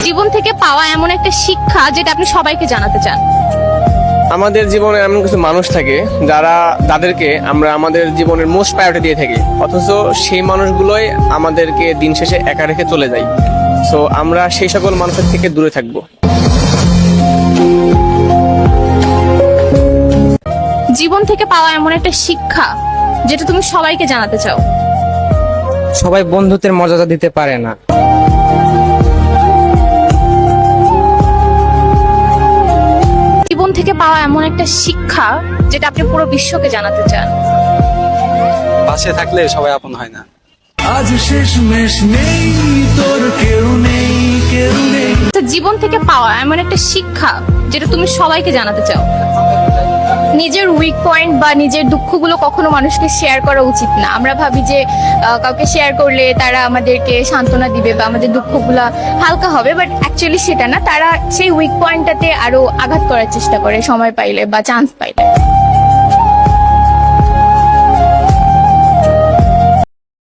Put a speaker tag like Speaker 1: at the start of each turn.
Speaker 1: জীবন থেকে পাওয়া এমন একটা শিক্ষা যেটা আপনি সবাইকে জানাতে চান।
Speaker 2: আমাদের জীবনে এমন কিছু মানুষ থাকে যাদেরকে আমরা আমাদের জীবনের মোস্ট প্রায়োরিটি দিয়ে থাকি, অথচ সেই মানুষগুলোই আমাদেরকে দিন শেষে একা রেখে চলে যায়। সো আমরা সেই সকল মানুষের থেকে দূরে থাকবো।
Speaker 1: জীবন থেকে পাওয়া এমন একটা শিক্ষা যেটা তুমি সবাইকে জানাতে চাও।
Speaker 3: সবাই বন্ধুত্বের মর্যাদা দিতে পারে না।
Speaker 1: জীবন থেকে পাওয়া এমন একটা শিক্ষা যেটা আপনি পুরো বিশ্বকে জানাতে চান।
Speaker 4: পাশে থাকলে সবাই আপন হয় না।
Speaker 5: আজ শেষমেশ নেই তোর কেউ নেই কেউ নেই।
Speaker 1: আচ্ছা, জীবন থেকে পাওয়া এমন একটা শিক্ষা যেটা তুমি সবাইকে জানাতে চাও। নিজের উইক পয়েন্ট বা নিজের দুঃখগুলো কখনো মানুষকে শেয়ার করা উচিত না। আমরা ভাবি যে কাউকে শেয়ার করলে তারা আমাদেরকে সান্ত্বনা দিবে বা আমাদের দুঃখগুলো হালকা হবে, বাট অ্যাকচুয়ালি সেটা না। তারা সেই উইক পয়েন্টটাতে আরো আঘাত করার চেষ্টা করে সময় পাইলে বা চান্স পাইলে।